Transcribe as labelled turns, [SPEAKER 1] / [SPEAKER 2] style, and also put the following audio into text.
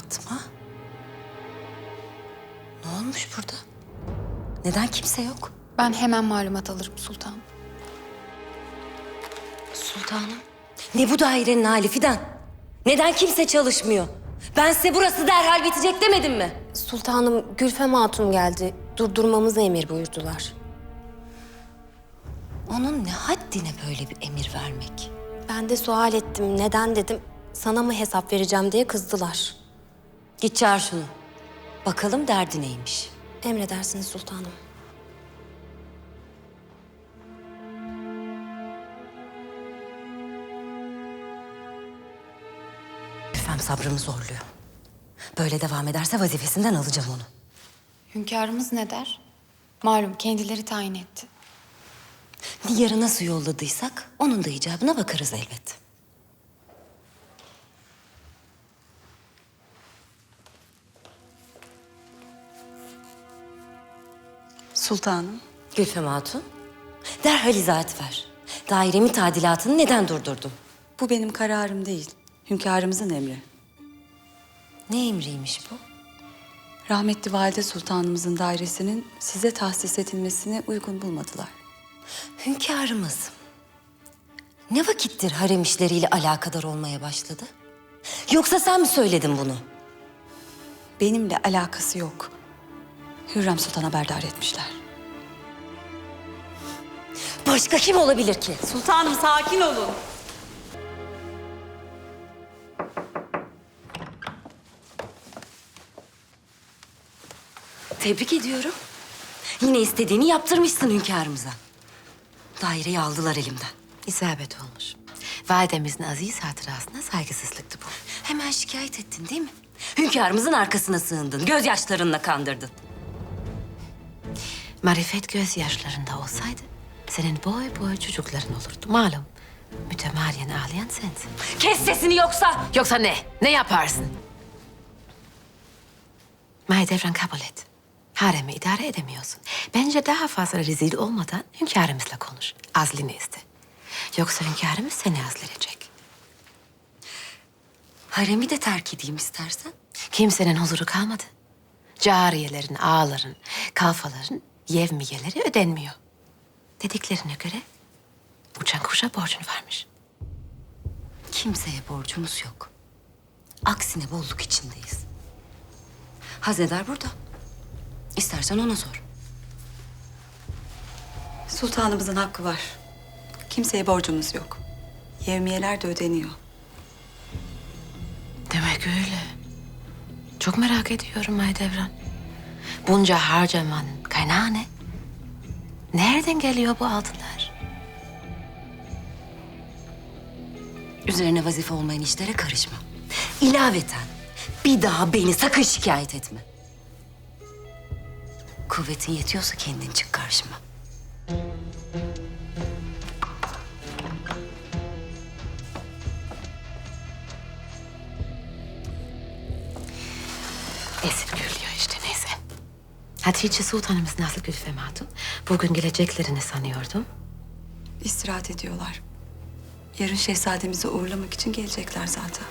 [SPEAKER 1] Fatma? Ne olmuş burada? Neden kimse yok?
[SPEAKER 2] Ben hemen malumat alırım sultanım.
[SPEAKER 1] Sultanım. Ne bu dairenin hali Fidan? Neden kimse çalışmıyor? Ben size burası derhal bitecek demedim mi?
[SPEAKER 3] Sultanım, Gülfem Hatun geldi. Durdurmamızı emir buyurdular.
[SPEAKER 1] Onun ne haddine böyle bir emir vermek?
[SPEAKER 3] Ben de sual ettim. Neden dedim. Sana mı hesap vereceğim diye kızdılar.
[SPEAKER 1] Git çağır şunu. Bakalım derdi neymiş?
[SPEAKER 3] Emredersiniz sultanım.
[SPEAKER 1] Gülfem sabrımı zorluyor. Böyle devam ederse vazifesinden alacağım onu.
[SPEAKER 2] Hünkârımız ne der? Malum kendileri tayin etti.
[SPEAKER 1] Diyarı nasıl yolladıysak onun da icabına bakarız elbet.
[SPEAKER 4] Sultanım,
[SPEAKER 1] Gülfem Hatun, derhal izahat ver. Dairemi tadilatını neden durdurdun?
[SPEAKER 4] bu benim kararım değil. Hünkârımızın emri.
[SPEAKER 1] Ne emriymiş bu?
[SPEAKER 4] Rahmetli Valide Sultanımızın dairesinin size tahsis edilmesini uygun bulmadılar.
[SPEAKER 1] Hünkârımız ne vakittir harem işleriyle alakadar olmaya başladı? Yoksa sen mi söyledin bunu?
[SPEAKER 4] Benimle alakası yok. Hürrem Sultan haberdar etmişler.
[SPEAKER 1] Başka kim olabilir ki?
[SPEAKER 4] Sultanım sakin olun.
[SPEAKER 1] Tebrik ediyorum. Yine istediğini yaptırmışsın hünkârımıza. Daireyi aldılar elimden.
[SPEAKER 5] İsabet olmuş. Validemizin aziz hatırasına saygısızlıktı bu.
[SPEAKER 1] Hemen şikayet ettin değil mi? Hünkârımızın arkasına sığındın, gözyaşlarınla kandırdın.
[SPEAKER 5] Marifet gözyaşlarında olsaydı senin boy boy çocukların olurdu. Malum mütemadiyen ağlayan sensin.
[SPEAKER 1] Kes sesini yoksa!
[SPEAKER 5] Yoksa ne? Ne yaparsın? Mahidevran kabul et. Haremi idare edemiyorsun. Bence daha fazla rezil olmadan hünkârımızla konuş. Azlini iste. Yoksa hünkârımız seni azledecek.
[SPEAKER 1] Haremi de terk edeyim istersen.
[SPEAKER 5] Kimsenin huzuru kalmadı. Cariyelerin, ağaların, kalfaların yevmiyeleri ödenmiyor. Dediklerine göre uçan kuşa borcun varmış.
[SPEAKER 1] Kimseye borcumuz yok. Aksine bolluk içindeyiz. Hazeder burada. İstersen ona sor.
[SPEAKER 4] Sultanımızın hakkı var. Kimseye borcumuz yok. Yevmiyeler de ödeniyor.
[SPEAKER 5] Demek öyle. Çok merak ediyorum Mahidevran. Bunca harcamanın kaynağı ne? Nereden geliyor bu altınlar?
[SPEAKER 1] Üzerine vazife olmayan işlere karışma. İlaveten bir daha beni sakın şikayet etme. Kuvvetin yetiyorsa kendin çık karşıma.
[SPEAKER 5] Esip gürlüyor işte neyse. Hatice Sultanımız nasıl Gülfem Hatun? Bugün geleceklerini sanıyordum.
[SPEAKER 4] İstirahat ediyorlar. Yarın şehzademizi uğurlamak için gelecekler zaten.